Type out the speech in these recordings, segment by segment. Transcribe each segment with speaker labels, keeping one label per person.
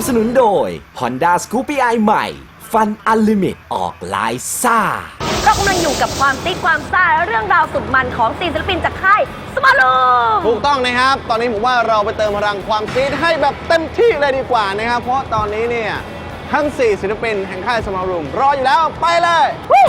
Speaker 1: นุนโดย Honda Scoopy i ใหม่ Fun Unlimit ออกลายซ่า
Speaker 2: เรากำลังอยู่กับความติ๊กความซ่าและเรื่องราวสุดมันของ4ศิลปินจากค่ายสมาร์ลูม
Speaker 3: ถูกต้องนะครับตอนนี้ผมว่าเราไปเติมพลังความซีดให้แบบเต็มที่เลยดีกว่านะครับเพราะตอนนี้เนี่ยทั้ง4ศิลปินแห่งค่ายสมาร์ลูมรออยู่แล้วไปเลย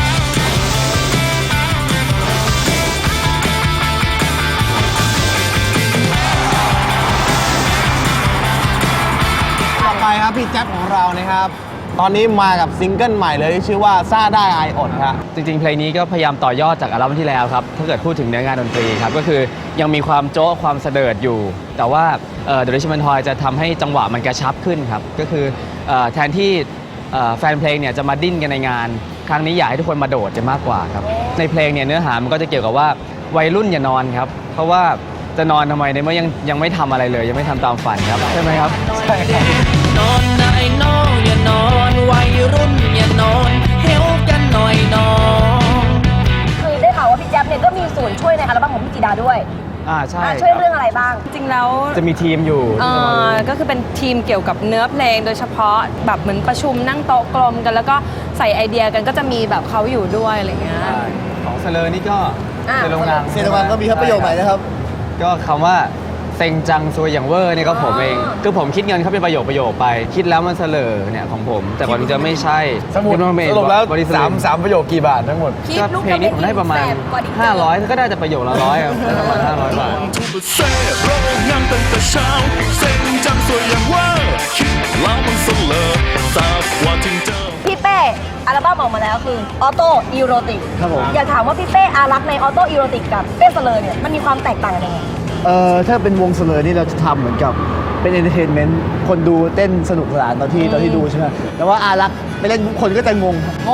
Speaker 3: ต่อไปครับพี่แจ็คของเรานะครับตอนนี้มากับซิงเกิลใหม่เลยที่ชื่อว่าซ่าได้อายอดครับ
Speaker 4: จริงๆเพลงนี้ก็พยายามต่อยอดจากอัลบั้มที่แล้วครับถ้าเกิดพูดถึงเนื้องานดนตรีครับก็คือยังมีความโจ๊ะความเสดิร์ดอยู่ แต่ว่าThe Richmond Toy จะทำให้จังหวะมันกระชับขึ้นครับก็คือแทนที่แฟนเพลงเนี่ยจะมาดิ้นกันในงานครั้งนี้อยากให้ทุกคนมาโดดจะมากกว่าครับในเพลงเนี่ยเนื้อหามันก็จะเกี่ยวกับว่าวัยรุ่นอย่านอนครับเพราะว่าจะนอนทำไมในเมื่อยังไม่ทำอะไรเลยยังไม่ทำตามฝันครับใช่ไหมครับใช่ครับ
Speaker 5: นอนนายน้องอย่านอนวัยรุ่นอย่านอนเฮลกันหน่อยน้อง
Speaker 2: คือได้ข่าวว่าพี่แจ๊บเนี่ยก็มีส่วนช่วยในอัลบั้มของพี่จีดาด้วย
Speaker 4: ใช่
Speaker 2: ช่วยเรื่องอะไรบ้าง
Speaker 6: จริงแล้ว
Speaker 4: จะมีทีมอยู่
Speaker 6: ก็คือเป็นทีมเกี่ยวกับเนื้อเพลงโดยเฉพาะแบบเหมือนประชุมนั่งโต๊ะกลมกันแล้วก็ใส่ไอเดียกันก็จะมีแบบเขาอยู่ด้วยอะไรเงี้ย
Speaker 4: ของเซเลอร์นี่ก็เซโรงงาน
Speaker 3: ก็มีครับประโยคใหม่นะครับ
Speaker 4: ก็คำว่าเซ็งจังซวยอย่างเวอร์นี่ก็ผมเองคือผมคิดเงินเขาเป็นประโยคไปคิดแล้วมันเสลอเนี่ยของผมแต่วันนี้จะไม่ใช่
Speaker 3: สมุดสรุปแล้ว3ประโยคกี่บาททั้งหมด
Speaker 4: ก็เพลงนี้ผมได้ประมาณ500ก็ได้แต่ประโยคละ100ครับได้ประมาณ500 บาท
Speaker 5: เซ่โรงงานตั้งแต่เช้าเซ็งจังสวยอย่างเวอร์คิดแล้วมันเสลอทราบว่าถึงเจอ
Speaker 2: พี่เป้อัลบั้มออกมาแล้วคือออโต้อีโรติก
Speaker 3: ครับผม
Speaker 2: อยากถามว่าพี่เป้อารักในออโต้อีโรติกกับเป้เสลอเนี่ยมันมีความแตกต่างกันยังไง
Speaker 3: ถ้าเป็นวงเสลอนี่เราจะทำเหมือนกับเป็นเอนเตอร์เทนเมนต์คนดูเต้นสนุกสนานตอนที่ดูใช่ไหมแต่ว่าอารักไปเล่นคนก็จะงง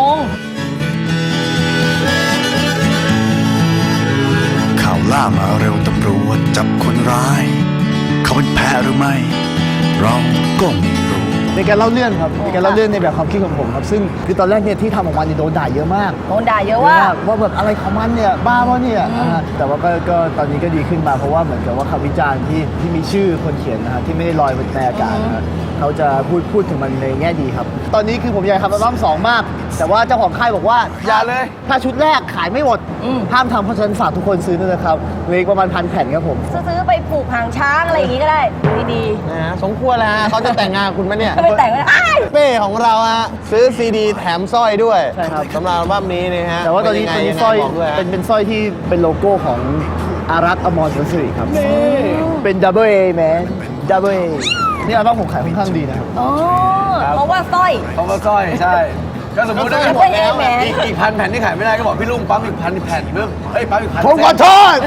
Speaker 7: ข่าวล่ามาเร็วตำรวจจับคนร้ายเขาเป็นแพ้หรือไม่เราก็ไม่รู้
Speaker 3: เป็นการเล่าเรื่องครับเป็นการเล่าเรื่องในแบบความคิดของผมครับซึ่งคือตอนแรกเนี่ยที่ทำออกมาเนี่ยโดนด่าเยอะมาก
Speaker 2: โดนด่าเยอะว่า
Speaker 3: แบบอะไรของมันเนี่ยบ้าวะเนี่ยแต่ว่าก็ตอนนี้ก็ดีขึ้นมาเพราะว่าเหมือนกับว่าคำวิจารณ์ที่มีชื่อคนเขียนนะฮะที่ไม่ได้ลอยบนในอากาศนะเขาจะพูดถึงมันในแง่ดีครับตอนนี้คือผมอยากทำอัลบั้ม2มากแต่ว่าเจ้าของค่ายบอกว่า
Speaker 4: อย่าเลย
Speaker 3: ถ้าชุดแรกขายไม่หมดห้ามทำเพราะฉะนั้นฝากทุกคนซื้อด้วยนะครับเหลือประมาณ1,000 แผ่นครับผม
Speaker 2: ซื้อไปผูกหางช้างอะไรอย่างงี้ก็ได้ดี
Speaker 3: นะสมควรแล้วฮะเขาจะแต่งงานคุณไหมเนี่ย
Speaker 2: ไม่แต่งเลย
Speaker 3: เป้ของเราฮะซื้อซีดีแถมสร้อยด้วยใช่ครับสำหรับอัลบั้มนี้นะฮะแต่ว่าตอนนี้สร้อยเป็นสร้อยที่เป็นโลโก้ของอารักษ์อมร สิริครับเป็นดับเบิลเอแมนดับเบิลเอนี่อัลบั้มผมขายค่อนข้างดีนะครับ
Speaker 2: เพราะว่าสร้อย
Speaker 4: ใช่ก็สมมติได้หมดแล้วอีก1,000 แผ่นที่ขายไม่ได้ก็บอกพี่ลุงปั๊มอีก1,000 แผ่นเพิ่มปั๊มอีก1,000
Speaker 3: ผมขอโทษ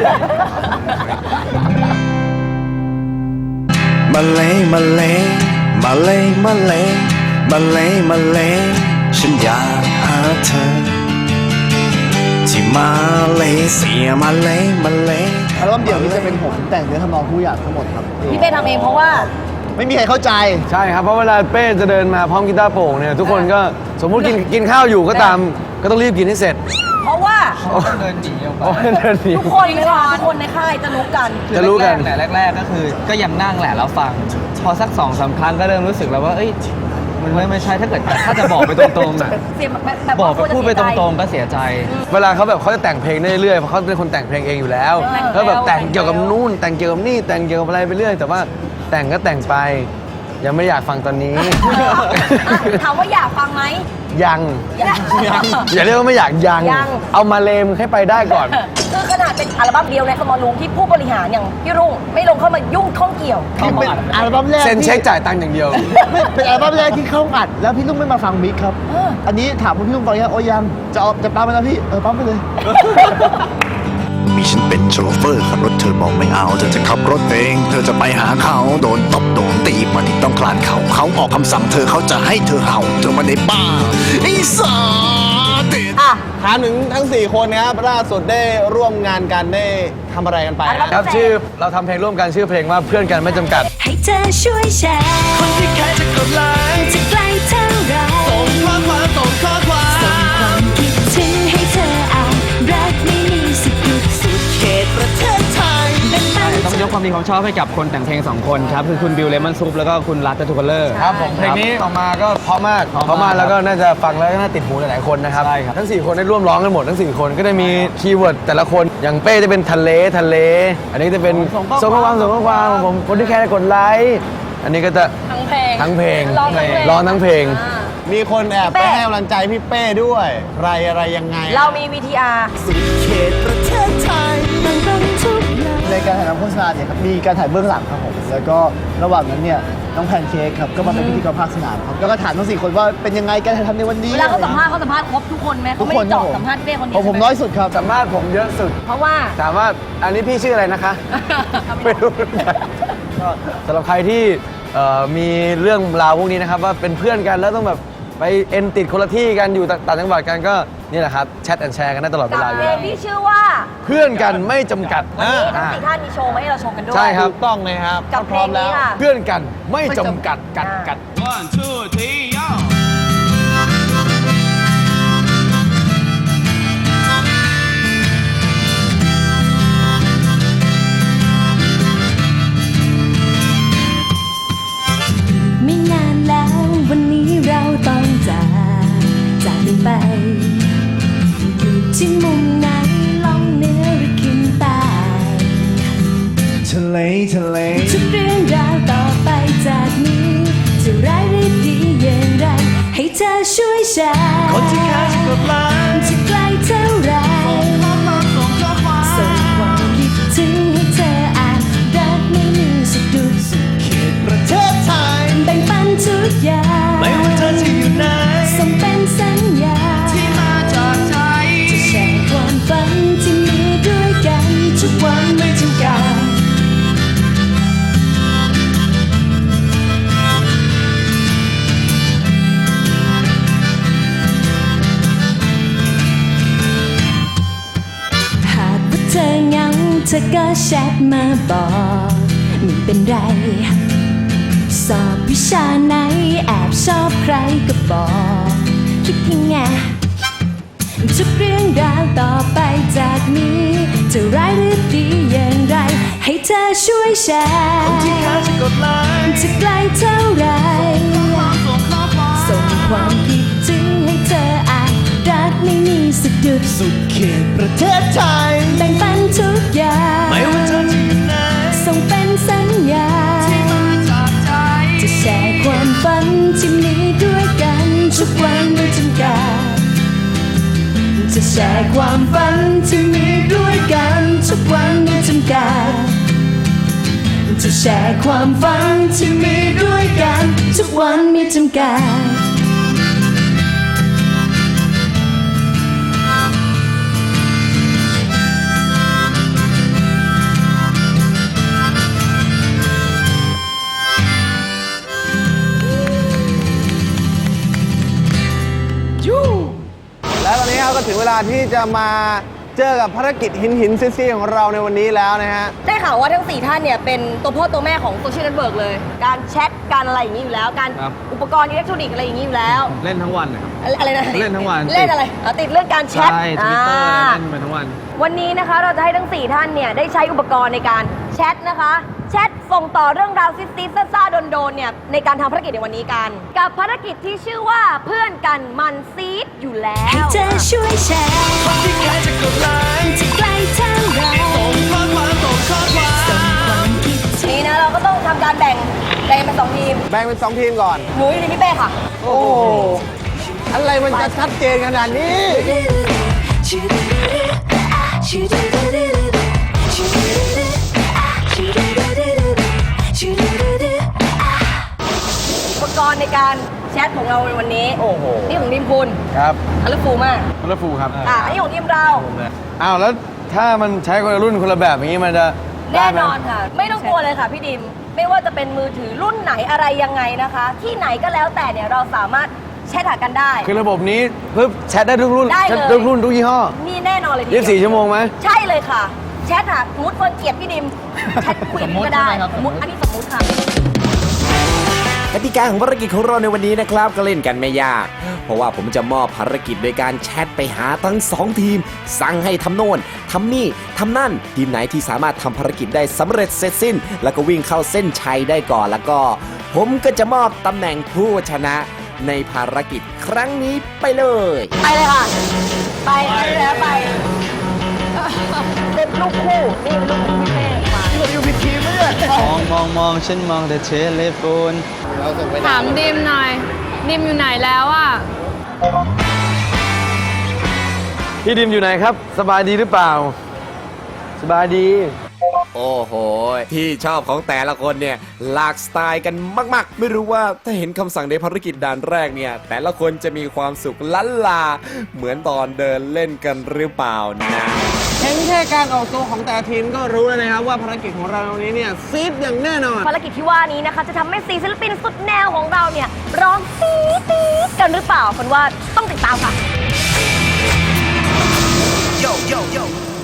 Speaker 7: มาเลยมาเลยมาเลยมาเลยมาเลยมาเลยฉันอยากหาเธอที่มาเลยเสียมาเลยมาเลย
Speaker 3: อัลบั้มเดี่ยวนี้จะเป็นผมแต่งเนื้อทำนองทุกอย่างทั้งหมดครับ
Speaker 2: พี่เป้ทำเองเพราะว่า
Speaker 3: ไม่มีใครเข้าใจ
Speaker 4: ใช่ครับเพราะเวลาเป้จะเดินมาพร้อมกีตาร์โปร่งเนี่ยทุกคนก็สมมุติกินข้าวอยู่ก็ตามก็ต้องรีบกินให้เสร็จ
Speaker 2: เพราะว่า
Speaker 4: เดินหนีออกไป
Speaker 2: ทุกคนในค่ายจะรู้กัน
Speaker 4: แต่แรกๆก็คือก็ยังนั่งแหละแล้วฟังพอสัก 2-3 ครั้งก็เริ่มรู้สึกแล้วว่าเอ้ยมันไม่ใช่ถ้าจะบอกไปตรงๆบอกไปพูดไปตรงๆก็เสียใจเวลาเขาแบบเขาจะแต่งเพลงได้เรื่อยเพราะเขาเป็นคนแต่งเพลงเองอยู่แล้วแล้วแบบแต่งเกี่ยวกับนู่นแต่งเกี่ยวกับนี่แต่งเกี่ยวกับอะไรไปเรื่อยแต่ว่าแต่งก็แต่งไปยังไม่อยากฟังตอนนี้
Speaker 2: ถามว่าอยากฟังไหม
Speaker 4: ยังอย่าเรียกว่าไม่อยากยังเอามาเลมให้ไปได้ก่อน
Speaker 2: คือขนาดเป็นอัลบั้มเดียวในสมอลรูมที่ผู้บริหารอย่างพี่รุ่งไม่ลงเข้ามายุ่งข้องเกี่ยว
Speaker 3: เป็นอัลบั้มแรก
Speaker 4: เซ็นเช็คจ่ายตังค์อย่างเดียว
Speaker 3: เป็นอัลบั้มแรกที่เข้าอัดแล้วพี่ลุงไม่มาฟังมิกครับอันนี้ถามพี่ลุงฟังยังโอ้ยังจะปั๊มไปแล้วพี่ปั๊มไปเลย
Speaker 7: มีฉันเป็นโชเฟอร์ขับรถเธอบอกไม่เอาเธอจะขับรถเองเธอจะไปหาเขาโดนตบโดนตีมันที่ต้องคลานเขาออกคำสั่งเธอเขาจะให้เธอเห่าเธอมาในบ้าไอ้สาติ
Speaker 3: ถามถึงทั้ง4คนนะครับล่าสุดได้ร่วมงานกันได้ทำอะไรกันไป
Speaker 4: ครับชื่อเราทำเพลงร่วมกันชื่อเพลงว่าเพื่อนกันไม่จำกัด
Speaker 5: ให้เธอช่วยแชร์คนที่ใครจะกดไลค์จะไกลเท่าไรส่งข้อความส่งความคิดถึงให้เธออ่านรักไม่มีสุดเขตประเทศไทย
Speaker 4: ต้องยกความดีความชอบให้กับคนแต่งเพลง2คนครับคือคุณบิลเลมอนซุปแล้วก็คุณรัตทูคัลเลอร์
Speaker 3: ครับผมเพลงนี้ออกมาก็เพราะมากแล้วก็น่าจะฟังแล้วก็น่าติดหูหลายๆคนนะครับ
Speaker 4: ใช่ครับ
Speaker 3: ทั้ง4คนได้ร่วมร้องกันหมดทั้ง4คนก็ได้มีคีย์เวิร์ดแต่ละคนอย่างเป้จะเป็นทะเลอันนี้จะเป็นส่งข้อความของผมคนที่แค่กดไลค์อันนี้ก็จะ
Speaker 6: ทั้งเพลง
Speaker 3: ร้องทั้งเพลง
Speaker 8: มีคนแอบ
Speaker 2: เป้
Speaker 8: ไปให้กำลังใจพี่เป้ด้วยอะไรยังไง
Speaker 2: เรามี VTR
Speaker 3: ในการถ่ายทำโฆษณาเนี่ยครับมีการถ่ายเบื้องหลังครับผมแล้วก็ระหว่างนั้นเนี่ยน้องแพนเค้กครับก็มาเป็นพิธีกรภาคสนามครับแล้วก็ถามทั้ง4คนว่าเป็นยังไงการถ่ายทำในวันนี้
Speaker 2: เวลาเขาสัมภาษณ์ครบทุกคนไหมเขาไม่ได้เจาะสัมภาษณ์เป้คนเดียว
Speaker 3: ผมน้อยสุดครับสัมภาษณ์ผมเยอะสุด
Speaker 2: เพราะว่า
Speaker 3: ถามว่าอันนี้พี่ชื่ออะไรนะคะ ไม่รู้ก็สำหรับใครที่มีเรื่องราวพวกนี้นะครับว่าเป็นเพื่อนกันแล้วต้องแบบไปเอ็นติดคนละที่กันอยู่ต่างจังหวัดกันก็นี่แหละครับแชทแอนแชร์กันได้ตลอดเว
Speaker 2: กับ
Speaker 3: ลาอ
Speaker 2: เพ
Speaker 3: ยู่
Speaker 2: ล
Speaker 3: แล้
Speaker 2: ง
Speaker 3: ว
Speaker 2: ที่ชื่อว่า
Speaker 3: เพื่อนกันไม่จำกัด
Speaker 2: วันนี้ทั้ง4ท่านมีโชว์มาให้เราชมกันด้วย
Speaker 3: ใช่ครับ
Speaker 8: ถูกต้องนะครับ
Speaker 2: กับเพลงนี้ค่ะ
Speaker 3: เพื่อนกันไม่จำกัดกัด
Speaker 5: ไม่นานแล้ววันนี้เราต้องจากกันไป อยู่ที่มุมไหนล่องเหนือหรือขึ้นใต้
Speaker 3: ทะเล
Speaker 5: ทุกเรื่องราวต่อไปจากนี้จะร้ายหรือดีอย่างไร ให้เธอช่วยแชร์คนที่ค่าจะกดไลค์จะไกลเท่าไรส่งความคิดถึงให้เธออ่านรักไม่มีสุดดุดสุดเขตประเทศไทยแบ่งปันทุกอย่างไม่ว่าเธอจะอยู่ไหนส่งเป็นสัญญาที่มาจากใจจะแชร์ความฝันที่มีด้วยกันทุกวันไม่จำกัดหากว่าเธอเหงาเธอก็แชทมาบอกไม่เป็นไรสอบวิชาไหนแอบชอบใครก็บอกคิดยังไงทุกเรื่องราวต่อไปจากนี้จะร้ายหรือดีอย่างไรให้เธอช่วยแชร์คนที่เขาจะกดไลค์จะไกลเท่าไรส่งความคิดถึงให้เธออ่านรักไม่มีสะดุดสุดเขตประเทศไทยแบ่งปันทุกอย่างไม่ว่าเธอจะอยู่ไหนส่งเป็นสัญญาที่มาจากใจจะแชร์ความฝันที่มีด้วยกันทุกวันไม่จำกัดจะแชร์ความฝันที่มีด้วยกันทุกวันไม่จำกัดจะแชร์ความฝันที่มีด้วยกันทุกวันไม่จำกัด
Speaker 8: และตอนนี้ครับก็ถึงเวลาที่จะมาเจอกับภารกิจหินซี่ของเราในวันนี้แล้วนะฮะ
Speaker 2: ได้ข่าวว่าทั้ง 4 ท่านเนี่ยเป็นตัวพ่อตัวแม่ของโซเชียลเน็ตเวิร์กเลย การแชทการอะไรอย่างนี้อยู่แล้ว การ
Speaker 4: ครับ
Speaker 2: อุปกรณ์อิเล็กทรอนิกส์อะไรอย่างนี้อยู่แล้ว
Speaker 4: เล่นทั้งวันนะครับ
Speaker 2: อะไรนะ
Speaker 4: เล่นทั้งวัน
Speaker 2: เล่นอะไรติดเรื่องการแชท
Speaker 4: ใช่ทวิตเตอร์เล่นไปทั้งวัน
Speaker 2: วันนี้นะคะเราจะให้ทั้ง 4 ท่านเนี่ยได้ใช้อุปกรณ์ในการแชทนะคะแชทส่งต่อเรื่องราวซิสๆซ่าๆโดนๆเนี่ยในการทำภารกิจในวันนี้กันกับภารกิจที่ชื่อว่าเพื่อนกันมันซีดอยู่แล้
Speaker 5: ให้
Speaker 2: ว
Speaker 5: เธอช่วยแชร์คนที่ใครจะกดไลค์จะไกลเท่าไรส่งความคิดถึง
Speaker 2: นี้นะเราก็ต้องทำการแบ่งเป็น2 ทีม
Speaker 8: แบ่งเป็น2 ทีมก่อน
Speaker 2: หนูอยู่ในพี่เป้ค่ะ
Speaker 8: โอ้โหอะไรมันจะชัดเจนขนาดนี้
Speaker 2: อุปกรณ์ในการแชทของเราในวันนี้
Speaker 8: โอ้โห
Speaker 2: นี่ของทีมคุณ
Speaker 3: ครับ
Speaker 2: คัลเลอร์ฟูลมาก
Speaker 3: คนละฟูครับ
Speaker 2: อันนี้ของทีมเรา
Speaker 3: อ้าวแล้วถ้ามันใช้คนละรุ่นคนละแบบอย่างนี้มันจะได้
Speaker 2: แน่
Speaker 3: ไหม
Speaker 2: นอนค่ะ ไม่ต้องกลัวเลยค่ะพี่ดิม ไม่ว่าจะเป็นมือถือรุ่นไหนอะไรยังไงนะคะ ที่ไหนก็แล้วแต่เนี่ยเราสามารถแชทหากันได้
Speaker 3: คือระบบนี้ปึ๊บแชทได้ทุกรุ่น
Speaker 2: ได้เลย
Speaker 3: แชททุกรุ่นทุกยี่ห้อ
Speaker 2: นี่แน่นอนเลยทีเดียว
Speaker 3: 24 ชั่วโมงไหม
Speaker 2: ใช่เลยค่ะ แชทหาสมมติเฟิร์นเกลียดพี่ดิม แชทคุยกันก็ได้สมมติอันนี้สมมติค่ะ
Speaker 1: กติกาของภารกิจของเราในวันนี้นะครับก็เล่นกันไม่ยาก เพราะว่าผมจะมอบภารกิจโดยการแชทไปหาทั้ง2ทีมสั่งให้ทำโน่นทำนี่ทำนั่นทีมไหนที่สามารถทำภารกิจได้สำเร็จเสร็จสิ้น แล้วก็วิ่งเข้าเส้นชัยได้ก่อนแล้วก็ ผมก็จะมอบตำแหน่งผู้ชนะในภารกิจครั้งนี้ไปเลย
Speaker 2: ไปเลยค่ะ ไปแล้วไปเป็นลูกคู่ นี่เป็นลูกคู่พี่เป้มา
Speaker 4: มองฉันมองแต่เทเลโฟน
Speaker 6: ถามดิมหน่อย ดิมอยู่ไหนแล้วอ่ะ
Speaker 3: พี่ดิมอยู่ไหนครับ สบายดีหรือเปล่า สบายดี
Speaker 1: โอ้โห ที่ชอบของแต่ละคนเนี่ยหลากสไตล์กันมากๆ ไม่รู้ว่าถ้าเห็นคำสั่งในภารกิจด่านแรกเนี่ยแต่ละคนจะมีความสุขล้านลา เหมือนตอนเดินเล่นกันหรือเปล่านะ
Speaker 8: เห็นแค่การออกตัวของแต่ละทีมก็รู้แล้วนะครับว่าภารกิจของเราวันนี้เนี่ยซีดอย่างแน่นอน
Speaker 2: ภารกิจที่ว่านี้นะคะ จะทำให้4ศิลปินสุดแนวของเราเนี่ยร้องซีดกันหรือเปล่าคนว่าต้องติดตามค่ะ
Speaker 7: Yo, yo, yo.